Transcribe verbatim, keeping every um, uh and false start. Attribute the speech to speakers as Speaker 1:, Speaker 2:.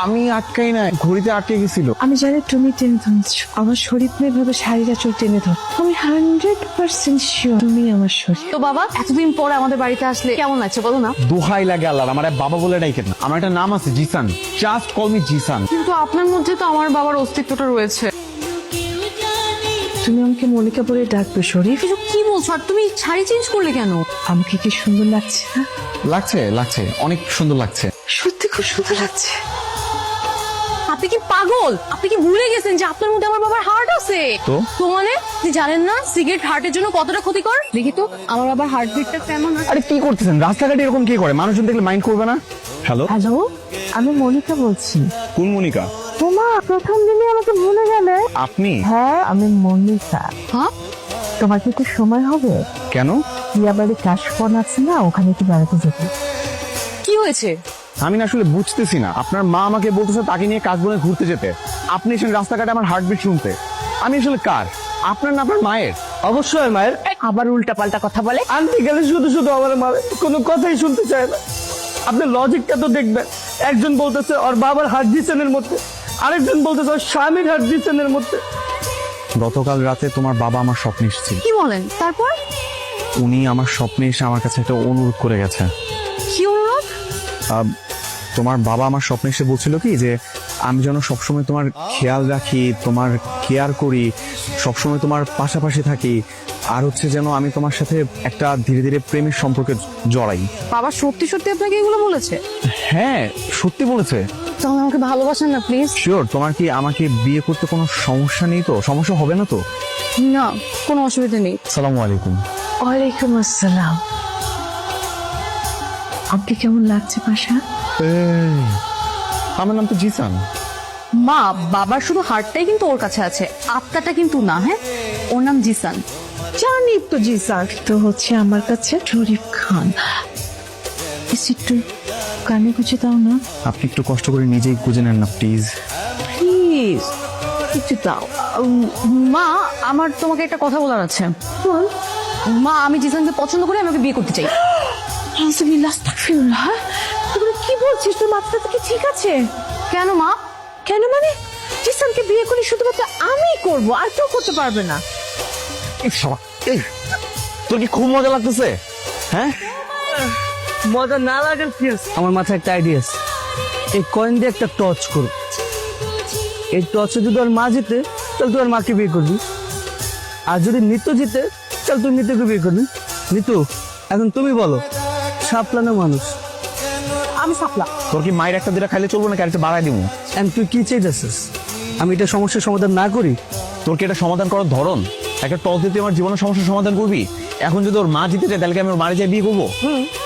Speaker 1: আমি আটকাই না, ঘড়িতে আটকে গেছিল।
Speaker 2: আমি জানি তুমি টেনে ধরছো, আমার শরীর নিয়ে ভাবে শাড়িটা চোখ টেনে ধর। আমি হান্ড্রেড পার্সেন্ট শিওর তুমি আমার শরীর।
Speaker 3: তো বাবা এতদিন পরে আমাদের বাড়িতে আসলে কেমন লাগছে বলো না?
Speaker 1: দোহাই লাগে আল্লাহ, আমার এক বাবা বলে ডাইকেন না, আমার একটা নাম আছে Zishan, just call me Zishan.
Speaker 3: কিন্তু আপনার মধ্যে তো আমার বাবার অস্তিত্বটা রয়েছে।
Speaker 2: তুমি আমাকে মল্লিকা বলে ডাকবে শরীফ।
Speaker 3: কিছু কি বলছো? আর তুমি শাড়ি চেঞ্জ করলে কেন?
Speaker 2: আমাকে কি সুন্দর লাগছে না?
Speaker 1: লাগছে লাগছে অনেক সুন্দর লাগছে।
Speaker 2: সত্যি খুব সুন্দর লাগছে।
Speaker 3: আপনি কি পাগল? আপনি কি ভুলে গেছেন যে আপনার মধ্যে আমার বাবার হার্ট আছে?
Speaker 1: তো?
Speaker 3: তো মানে আপনি জানেন না সিগারেট হার্টের জন্য কতটা ক্ষতিকর? দেখি তো আমার বাবার হার্ট বিটটা কেমন আছে।
Speaker 1: আরে কি করতেছেন? রাস্তাঘাটে এরকম কি করে? মানুষজন দেখলে মাইন্ড করবে না? হ্যালো,
Speaker 2: হ্যালো, আমি মনিকা বলছি।
Speaker 1: কোন মনিকা?
Speaker 2: তোমা প্রথম দিনে আমাকে ভুলে গেলে?
Speaker 1: আপনি?
Speaker 2: হ্যাঁ, আমি মনিকা।
Speaker 3: হ্যাঁ,
Speaker 2: তোমার কি একটু সময় হবে?
Speaker 1: কেন?
Speaker 2: বিয়াবাড়ি কাশপন আছে না, ওখানে একটু বেড়াতে যেতে।
Speaker 3: কি হয়েছে?
Speaker 1: আমি না আসলে বুঝতেছি না, আপনার মা আমাকে বলতেছে তাকে নিয়ে কাশবনে ঘুরতে যেতে, আপনি এসে রাস্তাঘাটে আমার হার্টবিট শুনতে। আমি আসলে কার, আপনার না আপনার মায়ের?
Speaker 4: অবশ্যই মায়ের।
Speaker 2: আবার উল্টা পাল্টা কথা বলে।
Speaker 4: আন্টি গেলে শুধু শুধু আমার মায়ের কোনো কথাই শুনতে চায় না। আপনি লজিকটা তো দেখবেন, একজন বলতেছে ওর বাবার হার্ট ডিসেনের মধ্যে, আরেকজন বলতেছে ওর স্বামীর হার্ট ডিসেনের মধ্যে।
Speaker 1: গতকাল রাতে তোমার বাবা আমার স্বপ্নে এসেছিল।
Speaker 3: কি বলেন? তারপর?
Speaker 1: উনি আমার স্বপ্নে এসে আমার কাছে একটা অনুরোধ করে গেছে।
Speaker 3: কি অনুরোধ?
Speaker 1: আহ, তোমার বাবা আমার স্বপ্নে এসে বলছিল কি যে আমি যেন সবসময় তোমার খেয়াল রাখি, তোমার কেয়ার করি, সবসময় তোমার পাশাপাশি থাকি, আর হচ্ছে যেন আমি তোমার সাথে একটা ধীরে ধীরে প্রেমের সম্পর্কে জড়াই।
Speaker 3: বাবা সত্যি সত্যি আপনাকে এগুলো বলেছে?
Speaker 1: হ্যাঁ সত্যি বলেছে।
Speaker 3: তাহলে আমাকে ভালোবাসেন না প্লিজ?
Speaker 1: শিওর? তোমার কি আমাকে বিয়ে করতে কোনো সমস্যা নেই তো? সমস্যা হবে না তো?
Speaker 3: না, কোনো অসুবিধা নেই।
Speaker 1: সালামু আলাইকুম।
Speaker 2: ওয়ালাইকুম আসসালাম। আপনি কেমন লাগছে পাশা?
Speaker 1: এই, আমার নাম তো জিসান।
Speaker 3: মা, বাবার শুধু হার্টটাই কিন্তু ওর কাছে আছে, আত্মাটা কিন্তু না। হ্যাঁ, ওর নাম জিসান।
Speaker 2: জানি তো জি স্যার, তো হচ্ছে আমার কাছে শরীফ খান। এসে একটু কানে গুছে দাও না
Speaker 1: আপনি একটু কষ্ট করে নিজেই খুঁজে নেন না প্লিজ।
Speaker 2: প্লিজ, একটু দাও।
Speaker 3: উম, মা, আমার তোমাকে একটা কথা বলার আছে।
Speaker 2: বল।
Speaker 3: মা, আমি জিসানকে পছন্দ করে আমাকে বিয়ে করতে চাই।
Speaker 2: আলহামদুলিল্লাহ, আস্তাগফিরুল্লাহ। তুমি কি বলছিস? তোর মাথাটা কি ঠিক আছে?
Speaker 3: কেন মা?
Speaker 2: কেন মানে? জিসানকে বিয়ে করে শুধুমাত্র আমি করব, আর কেউ করতে পারবে না।
Speaker 1: এই, তোর কি খুব মজা লাগতেছে? হ্যাঁ,
Speaker 4: মজা না লাগার কি আছে? আমার মাথায় একটা আইডিয়া আছে। এই কয়েন দিয়ে একটা টর্চ করো, এই টর্চে যদি ওর মা জিতে তাহলে তুই ওর মাকে বিয়ে করবি, আর যদি নিতু জিতে তাহলে তুই নিতুকে বিয়ে করবি। নিতু, এখন তুমি বলো, সাপলানো মানুষ।
Speaker 2: আমি সাপলা।
Speaker 1: তোর কি মায়ের একটা দুটা খাইলে চলবো না, ক্যারেক্টার বাড়াই দিব?
Speaker 4: এখন তুই কি চাইতেছিস? আমি এটা সমস্যার সমাধান না করি?
Speaker 1: তোর কি এটা সমাধান করার ধরন? একটা টক দিয়ে তুই আমার জীবনের সমস্যার সমাধান করবি? এখন যদি ওর মা জিতে যায় তাহলে কি আমি ওর মারে যাই বিয়ে করবো?